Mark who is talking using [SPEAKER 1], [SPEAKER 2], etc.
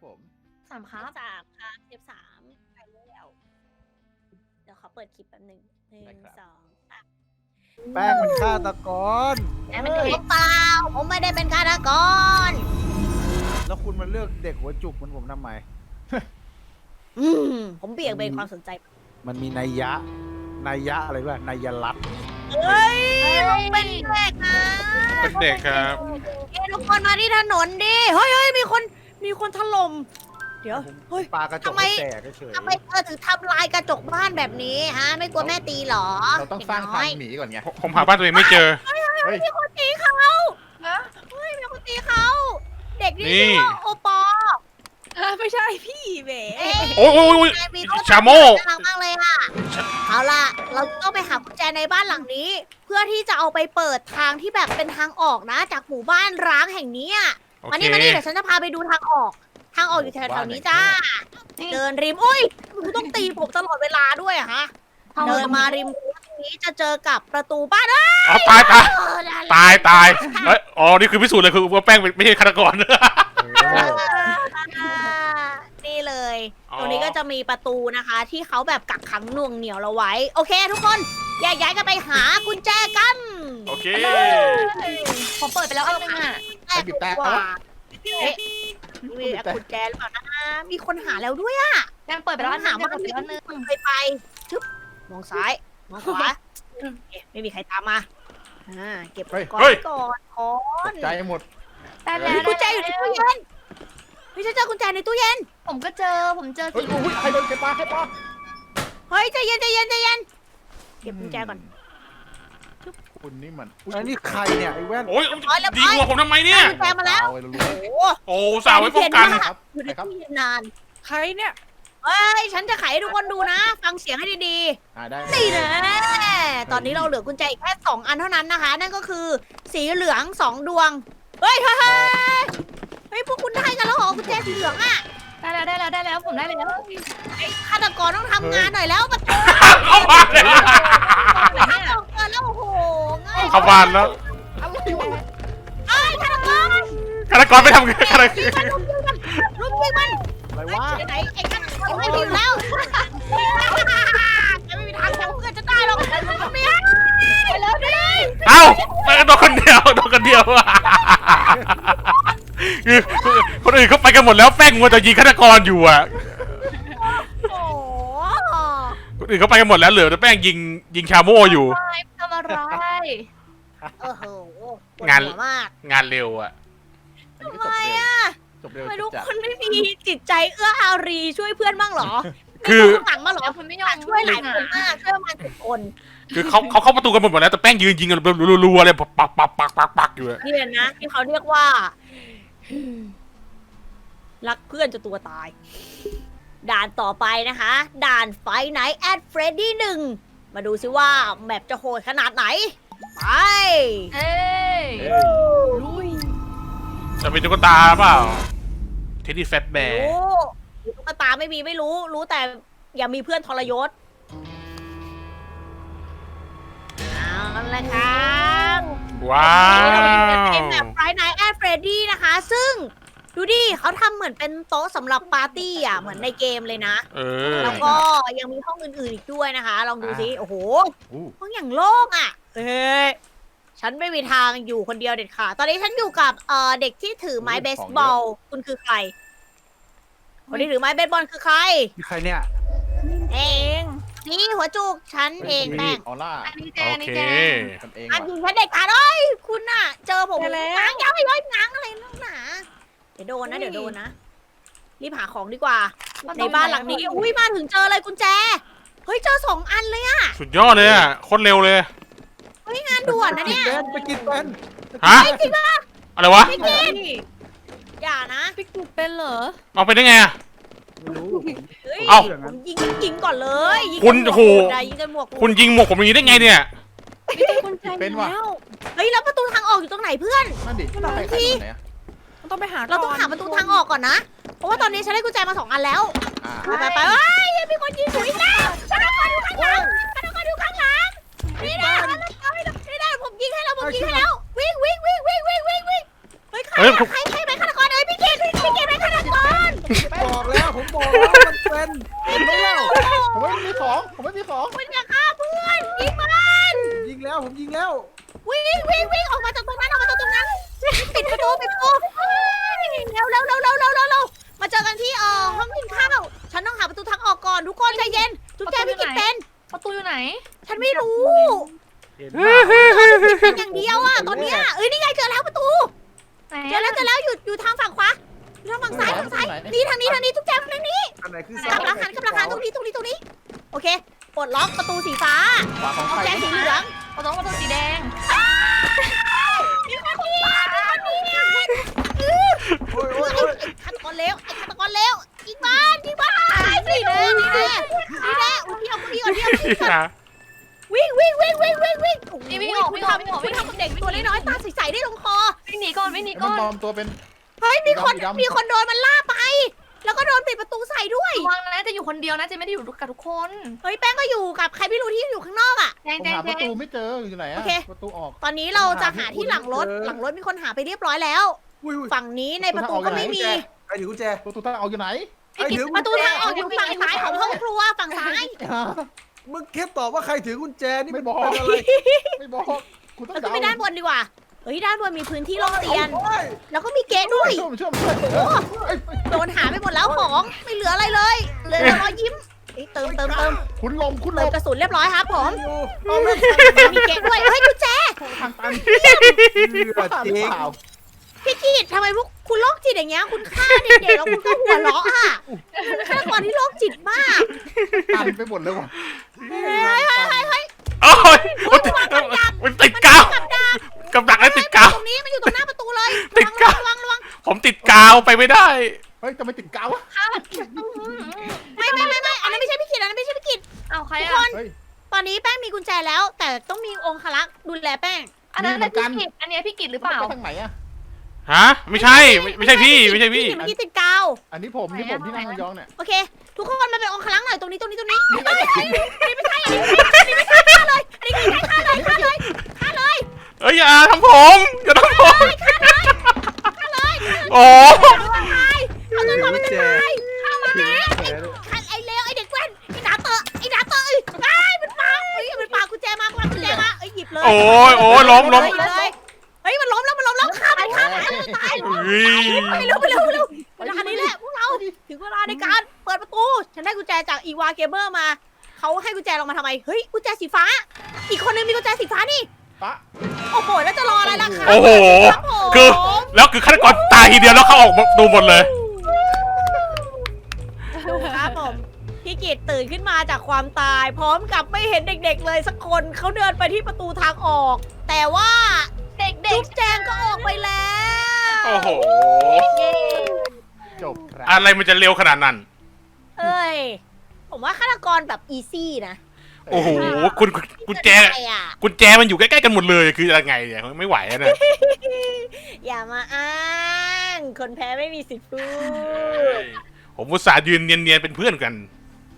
[SPEAKER 1] ผม
[SPEAKER 2] 3ครับ
[SPEAKER 3] 3ครับเทป3ไปแล้วเดี๋ยวขอเปิดคลิปแป๊บหนึง1 2 3
[SPEAKER 4] แป้งเป็นฆาตกร
[SPEAKER 2] แอมเป็นเด็ก
[SPEAKER 3] เปล่าผมไม่ได้เป็นฆาตกร
[SPEAKER 4] แล้วคุณมาเลือกเด็กหัวจุกเหมือนผมทำไม
[SPEAKER 3] ผมเบี่ยงเบนความสนใจ
[SPEAKER 4] มันมีนัยยะอะไรบ้างนัยรัตน์
[SPEAKER 3] เฮ้ยผมเป็นเด็กนะ
[SPEAKER 5] เป็นเด็กครับ
[SPEAKER 3] เอ้ยทุกคนมาที่ถนนดิเฮ้ยมีคนถล่มเดี๋ยวเฮ้ย
[SPEAKER 4] ปลากระจ
[SPEAKER 3] ทำ
[SPEAKER 4] ก
[SPEAKER 3] ไม
[SPEAKER 4] ให้แตกเฉย
[SPEAKER 3] ทำไมเธอถึงทำลายกระจกบ้านแบบนี้ฮะไม่กลัวแม่ตีเหรอ
[SPEAKER 1] เราต้องสร้างทางหนีก่อนไง
[SPEAKER 5] ผมหาบ้านตัวเองไม่เจอ
[SPEAKER 1] เฮ้ย
[SPEAKER 3] มีคนตีเขาเฮ้ยมีคนตีเขาเด็กนี่
[SPEAKER 5] นี่
[SPEAKER 3] ชื่อว่าโอปอ
[SPEAKER 2] ไม่ใช่พี่เบ๋
[SPEAKER 3] เอ๊ะ
[SPEAKER 5] โอ้ย
[SPEAKER 3] นายมีรถ
[SPEAKER 5] ชาโม่
[SPEAKER 3] น่ารักมากเลยอะเอาล่ะ เราต้องไปหากุญแจในบ้านหลังนี้ เพื่อที่จะเอาไปเปิดทางที่แบบเป็นทางออกนะ จากหมู่บ้านร้างแห่งนี้อะ
[SPEAKER 5] โอ
[SPEAKER 3] มา
[SPEAKER 5] เค
[SPEAKER 3] นี่เดี๋ยวฉันจะพาไปดูทางออก ทางออกอยู่แถวๆนี้จ้า เดินริมอุ้ยคุณต้องตีผมตลอดเวลาด้วยอะฮะ เดินมาริมนี้จะเจอกับประตูบ้านเอ้ย
[SPEAKER 5] เอาตาย
[SPEAKER 3] เออนั่นแหละ
[SPEAKER 5] ตายเอ้ยอ๋อนี่คือพิสูจน์เลยคือว่าแป้งไม่ใช่ฆาตกร
[SPEAKER 3] นี่เลย
[SPEAKER 5] อ๋อ
[SPEAKER 3] ตรงนี้ก็จะมีประตูนะคะ ที่เขาแบบกักขังหน่วงเหนียวเราไว้ โอเค ทุกคนแยกย้ายกันไปหากุญแจกัน
[SPEAKER 5] โอเค
[SPEAKER 2] ผมเปิดไปแล้วอันนึงอ่ะ
[SPEAKER 3] แต่ดีกว่าเอ๊ะมีกุญแจหรือเปล่านะมีคนหาแล้วด้วยอะ
[SPEAKER 2] แอมเปิดไปแล้วอันนึง
[SPEAKER 3] ว่า
[SPEAKER 2] เปิดไปแล้วอันนึง
[SPEAKER 3] เคยไปชึบมองซ้ายมองขวาเอ๊ะไม่มีใครตามมาเก็บก่อน
[SPEAKER 5] เฮ้ย
[SPEAKER 3] ก่อนก่อน
[SPEAKER 1] ใจหมด
[SPEAKER 2] ได้แล้ว
[SPEAKER 3] มีกุญแจอยู่ในตู้เย็นพี่ฉันเจอกุญแจในตู้เย็น
[SPEAKER 2] ผมเจอ
[SPEAKER 1] เฮ้ย
[SPEAKER 2] สี
[SPEAKER 1] อุ้ยใครโดนใครปลา
[SPEAKER 3] เฮ้ยใจเย็นเก็บกุญแจก่อน
[SPEAKER 1] คุณนี่มัน
[SPEAKER 4] ๆอันนี้ใครเนี่ยไอ้แว่น
[SPEAKER 5] โอ้ยดีกว่าผมทำไมเนี่ย
[SPEAKER 3] กุญแจมาแล้ว
[SPEAKER 1] เอาไปรู้
[SPEAKER 3] โอ้โห
[SPEAKER 5] โอ้สาวไว้ป้องกัน
[SPEAKER 1] ครับ
[SPEAKER 3] อยู่ใน
[SPEAKER 1] ครับ
[SPEAKER 3] ตู้เย็นนาน
[SPEAKER 2] ใครเนี่ย
[SPEAKER 3] เฮ้ย ฉันจะไขให้ทุกคนดูนะ ฟังเสียงให้ดี
[SPEAKER 1] ได้
[SPEAKER 3] ๆนี่นะตอนนี้เราเหลือกุญแจอีกแค่2 อันเท่านั้นนะคะ นั่นก็คือสีเหลือง2 ดวง เฮ้ยพวกคุณได้กันแล้วเหรอกุญแจสีเหลืองอะ
[SPEAKER 2] ได้แล้วผมได้แล้ว
[SPEAKER 3] ไอ้ฆาตกรต้องทำงานหน่อยแล้วมัน
[SPEAKER 5] เข้าบ้านเลย
[SPEAKER 3] ฆาตกรแล้วโอ้โหง่าย
[SPEAKER 5] เข้าบ้านแล้ว
[SPEAKER 1] อะไรวะ
[SPEAKER 3] เอ้ยฆาตกร
[SPEAKER 5] ฆาตกรไม่ทำฆาตกร
[SPEAKER 3] ลุมยิงมัน
[SPEAKER 4] อะไรวะ
[SPEAKER 3] ไหนไอ้ฆาตกรไม่มีอยู่แล้วจะไม่มีทางจับเพื่อนจะได้หรอกมันไม่ได้ไปแล้วดิ
[SPEAKER 5] เอ้าโดนคนเดียวคือคนอื่นเขาไปกันหมดแล้วแป้งมัวแต่ยิงฆาตกรอยู่อ่ะ
[SPEAKER 3] โอ้โห
[SPEAKER 5] คนอื่นเขาไปกันหมดแล้วเหลือแต่แป้งยิงชาโม่อยู่
[SPEAKER 2] ทำอะไร
[SPEAKER 3] โอ้โห
[SPEAKER 5] งาน
[SPEAKER 3] ปวดหัวมาก
[SPEAKER 5] งานเร็วอ่ะ
[SPEAKER 1] อันนี้
[SPEAKER 3] ทำ
[SPEAKER 1] ก็
[SPEAKER 3] ไม
[SPEAKER 1] จบเร็ว
[SPEAKER 3] อ่ะ
[SPEAKER 1] จบเร็ว
[SPEAKER 3] ไม่รู้
[SPEAKER 1] จัด
[SPEAKER 3] คนไม่มีจิตใจเอื้ออารีช่วยเพื่อนบ้างเหรอ
[SPEAKER 5] คือ
[SPEAKER 3] ไม่ต้องหลังมาเหรอ
[SPEAKER 2] คุณไม่ยอม
[SPEAKER 3] ช่วยหลายคนมากช่วยประมาณ10 คน
[SPEAKER 5] คือเขาเข้าประตูกันหมดแล้วแต่แป้งยืนยิงกันรัวๆเลยปักอยู่อะ
[SPEAKER 3] นี่แหละนะที่เขาเรียกว่า รักเพื่อนจนตัวตาย ด่านต่อไปนะคะ ด่านไฟไนท์แอดเฟรดดี้1มาดูซิว่าแมปจะโหดขนาดไหน ไป
[SPEAKER 2] เอ้ย
[SPEAKER 3] ลุย
[SPEAKER 5] จะเป็นตุ๊กตาเปล่าเทดดี้แฟตแบร์
[SPEAKER 3] รู้ตุ๊กตาไม่รู้ รู้แต่อย่ามีเพื่อนทรยศเอาละครับ
[SPEAKER 5] ว้า
[SPEAKER 3] นี่เรา
[SPEAKER 5] ว
[SPEAKER 3] เป็นแบบไฟไนท์แอดเฟรดดี้นะคะ ซึ่งดูดิเขาทำเหมือนเป็นโต๊ะสำหรับปาร์ตี้อ่ะ เหมือนในเกมเลยนะ
[SPEAKER 5] เออ
[SPEAKER 3] แล้วก็ยังมีห้องอื่นๆอีกด้วยนะคะ ลองดูสิ โอ้โห
[SPEAKER 1] อู้
[SPEAKER 3] ห้องอย่างโล่งอ่ะ เฮ้ย ฉันไม่มีทางอยู่คนเดียวเด็ดขาดตอนนี้ฉันอยู่กับเด็กที่ถือไม้เบสบอล คุณคือใคร คนที่ถือไม้เบสบอลคือใคร
[SPEAKER 4] นี่ใครเนี่ย
[SPEAKER 3] เอง นี่หัวจุกฉันเองแป้ง
[SPEAKER 1] ออร่า
[SPEAKER 2] อันนี้แจ
[SPEAKER 5] โอ
[SPEAKER 2] นี่
[SPEAKER 5] เค
[SPEAKER 2] แจ
[SPEAKER 1] กันเอง
[SPEAKER 3] อัน
[SPEAKER 1] ว่ะ
[SPEAKER 3] ยิงฉันเด็กขาดเอ้ย คุณน่ะ เจอผม
[SPEAKER 2] ไปแล้ว
[SPEAKER 3] ง้างย้อยง้างอะไรนักหนาเดี๋ยวโดนนะ เดี๋ยวโดนนะ รีบหาของดีกว่า ในบ้านหลังนี้ อุ้ยมาถึงเจอเลยกุญแจ เฮ้ย เจอ2 อันเลยอะ
[SPEAKER 5] สุดยอดเลยอ่ะโคตรเร็วเลย
[SPEAKER 3] เฮ้ยงานด่วนนะเนี่ย
[SPEAKER 4] ไปกินเป็น
[SPEAKER 5] ฮะ
[SPEAKER 3] เฮ้ยจริงป่ะ
[SPEAKER 5] อะไรวะ
[SPEAKER 3] ไม่กินอย่านะ
[SPEAKER 2] พี่กุ๊กเป็นเหรอ
[SPEAKER 5] เอาไปได้ไงอะ
[SPEAKER 4] ไม่รู้
[SPEAKER 3] เฮ้ย
[SPEAKER 5] เอ้า
[SPEAKER 3] ผมยิงก่อนเลยยิง
[SPEAKER 5] คุณ
[SPEAKER 3] กันหมวก
[SPEAKER 5] โห
[SPEAKER 3] หมดอะยิงกันหมวกหมด
[SPEAKER 5] คุณยิงหมวกผมอย่างนี้ได้ไงเนี่ย
[SPEAKER 2] ไม่ใช่กุญแจ
[SPEAKER 1] เป็นว่ะ
[SPEAKER 2] แล้ว
[SPEAKER 3] เฮ้ยแล้วประตูทางออกอยู่ตรงไหนเพื่อน
[SPEAKER 1] นั่นดิใครใครตรงไหนอะ
[SPEAKER 2] มันต้องไปหา
[SPEAKER 3] เราต้องหาประตูทางออกก่อนนะ เพราะว่าตอนนี้ฉันได้กุญแจมา2 อันแล้ว
[SPEAKER 1] อ่า
[SPEAKER 3] ไปเฮ้ยมีคนยิงหนูอีกแล้วฆาตกรอยู่ข้างหลังฆาตกรอยู่ข้างหลังนี่นะนี่นะผมยิงให้แล้วผมยิงให้แล้ว วิ่งเฮ้ยใคร
[SPEAKER 5] เฮ้ย
[SPEAKER 3] ใครเป็นฆาตกรเอ้ยพี่เกดเป็นฆาตกร
[SPEAKER 4] เป็น
[SPEAKER 1] เห็นไหมเล่าผมไม่มีของผมไม่มีของ
[SPEAKER 3] มันอยากฆ่าเพื่อนยิงมัน
[SPEAKER 4] ผมยิงแล้วผมยิงแล้ว
[SPEAKER 3] วิ่งออกมาจากตรงนั้นปิดประตูเร็วมาเจอกันที่ห้องกินข้าวฉันต้องหาประตูทางออกก่อนทุกคนใจเย็นจุ๊บแจพี่กิจเป็น
[SPEAKER 2] ประตูอยู่ไหน
[SPEAKER 3] ฉันไม่รู้
[SPEAKER 4] เห็น
[SPEAKER 3] เป็นอย่างเดียวอ่ะตอนเนี้ยนี่ไงเจอแล้วประตู
[SPEAKER 2] ไหน
[SPEAKER 3] เจอแล้วอยู่ทางฝั่งขวาอยู่ทางฝั่งซ้ายนี่ทางนี้จุ๊บแจทางนี้
[SPEAKER 4] อันไหนคือ
[SPEAKER 3] กับหลังหันตรงนี้โอเคปลดล็อกประตูสีฟ้า
[SPEAKER 1] ขวาของ
[SPEAKER 3] กุญ
[SPEAKER 1] ใคร
[SPEAKER 3] แจสีเหลือง
[SPEAKER 2] ประตูสีแดง
[SPEAKER 3] มีคนเนียน
[SPEAKER 4] โอ้ย
[SPEAKER 3] ไอ้ฆาตกรเลวยิงบ้านนี่แน่อุ้ยพี่เอาพี่ก่อนวิ่งทำกับเด็กตัวน้อยๆตาใสๆได้ลงคอ
[SPEAKER 2] วิ่งหนีก่อน
[SPEAKER 1] มันปลอมตัวเป็น
[SPEAKER 3] เฮ้ยมีคนโดนมันล่าไป แล้วก็โดนปิดประตูใส่ด้วย
[SPEAKER 2] ระวังนะจะอยู่คนเดียวนะจะไม่ได้อยู่กับทุกคน
[SPEAKER 3] เฮ้ยแป้งก็อยู่กับใครไม่รู้ที่อยู่ข้างนอกอ่ะ
[SPEAKER 2] แดง
[SPEAKER 1] ผม
[SPEAKER 2] แดง
[SPEAKER 1] หา
[SPEAKER 2] แด
[SPEAKER 1] ประตู
[SPEAKER 2] ง
[SPEAKER 1] ไม่เจออยู่ไหน
[SPEAKER 3] โอ
[SPEAKER 1] อะ
[SPEAKER 3] เค
[SPEAKER 1] ประตูออก
[SPEAKER 3] ตอนนี้เราจะหาที่หลังรถมีคนหาไปเรียบร้อยแล้ว
[SPEAKER 4] อุ้ย
[SPEAKER 3] ฝั่งนี้ในประตูก็ไม่มี
[SPEAKER 4] ใครถือกุญแจ
[SPEAKER 1] ประตูทางออกอยู่ไหน
[SPEAKER 4] ใครถือกุ
[SPEAKER 3] ป
[SPEAKER 4] ญ
[SPEAKER 3] ระตู
[SPEAKER 4] แจ
[SPEAKER 3] ทางออกอยู่ฝั่งซ้ายของห้องครัวฝั่งซ้าย
[SPEAKER 4] มึงแค่ตอบว่าใครถือกุญแจนี่
[SPEAKER 1] ไม่บอก
[SPEAKER 4] เป็นอะไร
[SPEAKER 1] ไม่บอกคุณต้อง
[SPEAKER 3] แล้วก็ไปด้านบนดีกว่าเฮ้ยด้านบนมีพื้นที่โล่งเตียน
[SPEAKER 4] โอ้ย
[SPEAKER 3] แล้วก็มีเกตด้วย
[SPEAKER 1] ช่วย
[SPEAKER 3] โดนหาไปหมดแล้วของไม่เหลืออะไรเลยเหลือแต่รอยยิ้มเติม
[SPEAKER 1] คุณลม
[SPEAKER 3] เติมกระสุนเรียบร้อยครับผม
[SPEAKER 4] เอาไม่
[SPEAKER 3] มีเกตด้วยเฮ้ยกุญแจ
[SPEAKER 1] ทางตัน
[SPEAKER 4] เชื่อจริง
[SPEAKER 1] เปล่า
[SPEAKER 3] พี่กีดทำไมพวกคุณโรคจิตอย่างเงี้ยคุณฆ่าเด็กๆแล้วคุณก็หัวเราะอ่ะฆาตกรที่โรคจิตมาก
[SPEAKER 1] ตันไปหมดเลยว่ะ
[SPEAKER 3] เฮ้ย
[SPEAKER 5] โอ้ยมันติดกาวกับดักแล้วติดกาว
[SPEAKER 3] ตรงนี้มันอยู่ตรงหน้าประตูเลย
[SPEAKER 5] ติดกาว
[SPEAKER 3] ระวัง
[SPEAKER 5] ผมติดกาวไปไม่ได้
[SPEAKER 1] เฮ้ยจะไม่ติดกาววะ
[SPEAKER 3] ไม่อันนั้นไม่ใช่พี่กีด
[SPEAKER 2] เอาใคร
[SPEAKER 3] ทุก
[SPEAKER 2] อ่ะ
[SPEAKER 3] คนตอนนี้แป้งมีกุญแจแล้ว แต่ต้องมีองคลักษ์ดูแลแป้ง
[SPEAKER 2] อันนั้นพี่กิจอันนี้พี่กิจหรือเปล่า
[SPEAKER 1] ทางไหนอะ
[SPEAKER 5] ฮะไม่ใช่ไม่ใช่พี่ไม่ใช่พี่
[SPEAKER 3] เมื่อกี้ติดกาว
[SPEAKER 1] อันนี้ผมที่นั่งยองเนี่ย
[SPEAKER 3] โอเค ทุกคนมาเป็นองคลักษ์หน่อยตรงนี้อันนี้ไม่ใช่ฆ่าเลยอันนี้ไม่ใช่ฆ่าเลย
[SPEAKER 5] เอ้ยอย่าทำผมอย่าทำผมโอ้
[SPEAKER 3] เอาตัวก่อนมัน
[SPEAKER 4] กุญ
[SPEAKER 3] จะ
[SPEAKER 4] แจ
[SPEAKER 3] ตายฆ่ามัน
[SPEAKER 4] ถือ
[SPEAKER 3] นะ
[SPEAKER 4] กุญแจด้วย
[SPEAKER 3] ไอ้เลวไอ้เด็กแว่นไอ้หนาเตอะมันปากุญแจมาหยิบเลย
[SPEAKER 5] โอ้ยล้ม
[SPEAKER 3] เฮ้ยมันล้มแล้วฆ่ามันตาย
[SPEAKER 5] เฮ้ย
[SPEAKER 3] ไปเร็วเวลานี้แหละพวกเราถึงเวลาในการเปิดประตูฉันได้กุญแจจากอีวาเกเบอร์มาเขาให้กุญแจเรามาทำไมเฮ้ยกุญแจสีฟ้า อีกคนนึงมีกุญแจสีฟ้านี่
[SPEAKER 1] ปะ
[SPEAKER 3] โอ้โหแล้วจะรออะไรล่ะคะ
[SPEAKER 5] โอ้โห
[SPEAKER 3] ครับผม
[SPEAKER 5] คือแล้วคือฆาตกรตายทีเดียวแล้วเขาออกดูหมดเลย
[SPEAKER 3] ดูครับผมพี่กิตตื่นขึ้นมาจากความตาย พร้อมกับไม่เห็นเด็กๆเลยสักคนเขาเดินไปที่ประตูทางออก แต่ว่า
[SPEAKER 2] เด็ก
[SPEAKER 3] จุ๊บแจงก็ออกไปแล้ว
[SPEAKER 5] โอ้โห
[SPEAKER 1] จบครับ
[SPEAKER 5] อะไรมันจะเร็วขนาดนั้น
[SPEAKER 3] เอ้ยผมว่าฆาตกรแบบอีซี่นะ
[SPEAKER 5] โอ้โหคุณกุญแจ
[SPEAKER 3] ใช่อะ
[SPEAKER 5] กุญแจมันอยู่ใกล้ๆกันหมดเลยคือยังไงเนี่ยไม่ไหวอะนะ
[SPEAKER 3] อย่ามาอ้าง คนแพ้ไม่มีสิทธิ์พูด
[SPEAKER 5] ผมอุตส่าห์ยืนเนียนๆเป็นเพื่อนกัน